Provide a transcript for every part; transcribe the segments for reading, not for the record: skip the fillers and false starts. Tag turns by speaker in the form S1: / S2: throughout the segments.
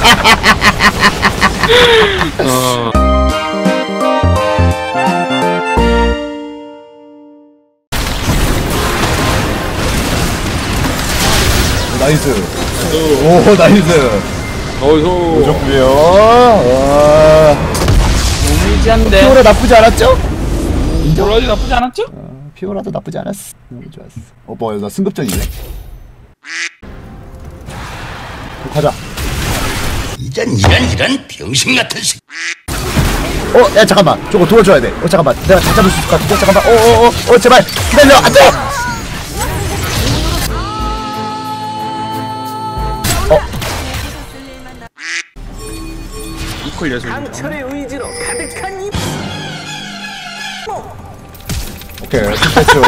S1: 나이스. 오, 나이스. 좋고요.
S2: 너무 이지한데.
S1: 피오라 나쁘지 않았죠?
S2: 피오라도 나쁘지 않았죠?
S1: 피오라도 나쁘지 않았어. 너무 좋았어. 뭐야, 나 승급전이네. 가자.
S3: 이런 병신 같은 새.
S1: 야, 잠깐만. 저거 도와줘야 돼. 잠깐만. 내가 다 잡을 수 있을 것 같은데. 잠깐만. 제발. 기다려. 안 돼!
S2: 이퀄 예술.
S4: 강철의 의지로 가득한 이.
S1: 오케이. 됐죠.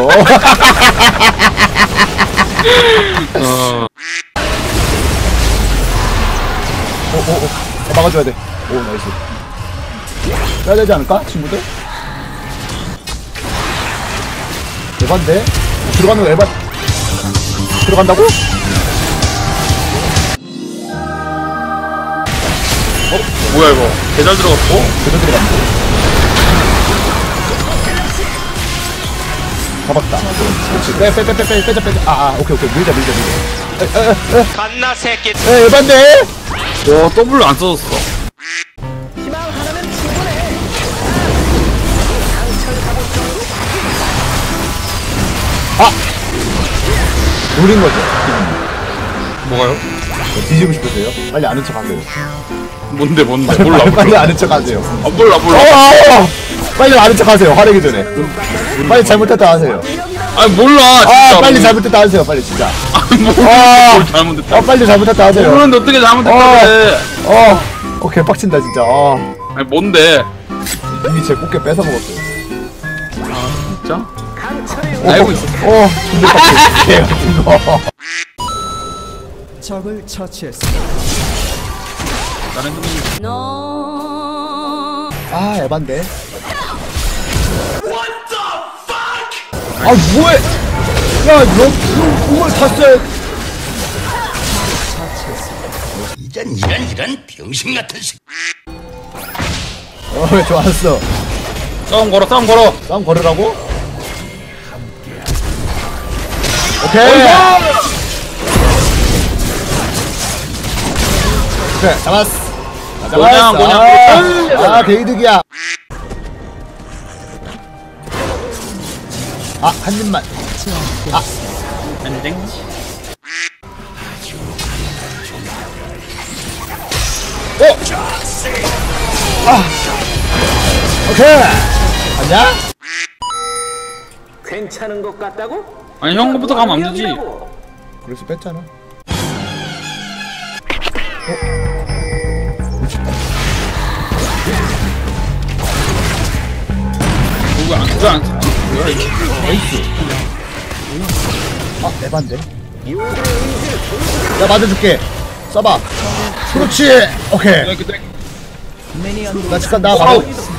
S1: 막아줘야 돼. 오, 나이스. 빼야 되지 않을까? 친구들? 에반데? 들어가는 거 에반. 들어간다고?
S2: 뭐야 이거? 개잘 들어갔어.
S1: 그대로 들어갔네. 잡았다. 그렇지. 빼자. 오케이. 밀자.
S3: 갓나 새끼.
S1: 에반데?
S2: 와 더블로 안 써졌어.
S4: 희망 하나면 충분해.
S1: 노린 거죠.
S2: 뭐가요?
S1: 뒤지고 싶으세요? 빨리 아는 척 하세요.
S2: 뭔데? 몰라.
S1: 빨리 아는 척 하세요.
S2: 몰라.
S1: 빨리 아는 척 하세요. 화내기 전에. 빨리 잘못했다 하세요.
S2: 몰라. 진짜.
S1: 빨리 잘못했다 하세요. 빨리 진짜.
S2: 뭘 잘못했다.
S1: 빨리 잘못했다 하세요.
S2: 모르는데 어떻게 잘못했다 그래.
S1: 개빡친다 진짜.
S2: 아니 뭔데?
S1: 이미 제 꽃게 뺏어 먹었어요.
S2: 진짜?
S4: 강철의
S2: 알고 있었어.
S1: 근데 빡치. 이거.
S5: 적을 처치했습니다.
S2: 나는
S1: 에반데. 뭐해? 야, 너 공을 탔어요.
S3: 이런 병신 같은 새.
S1: 좋았어.
S2: 싸움 걸어.
S1: 싸움 걸으라고? 오케이. 그래, 잡았어.
S2: 뭐냐.
S1: 개이득이야. 한 입만.
S2: 엔딩.
S1: 오케이. 아니야?
S4: 괜찮은 것 같다고?
S2: 아니 형 거부터 가면 안 되지.
S1: 그래서 뺐잖아.
S2: 그거 안 써. 뭐야 이거?
S1: 에이스. 에반데? 나 맞아줄게. 써봐. 그렇지. 오케이. 나 잠깐 나가.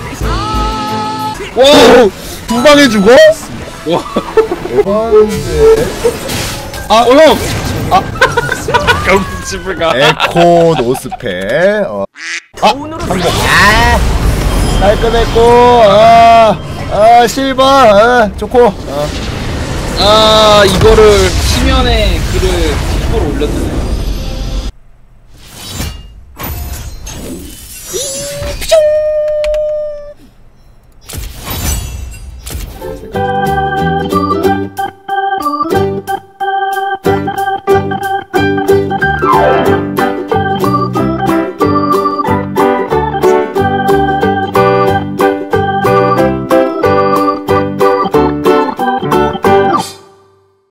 S1: 와, 두 방에 죽어?
S2: 와.
S1: 에반데.
S2: 형. 집을 가.
S1: 에코 노스페. 성공. 깔끔했고. 실버. 좋고.
S2: 이거를 심연의 글을 10% 올렸네.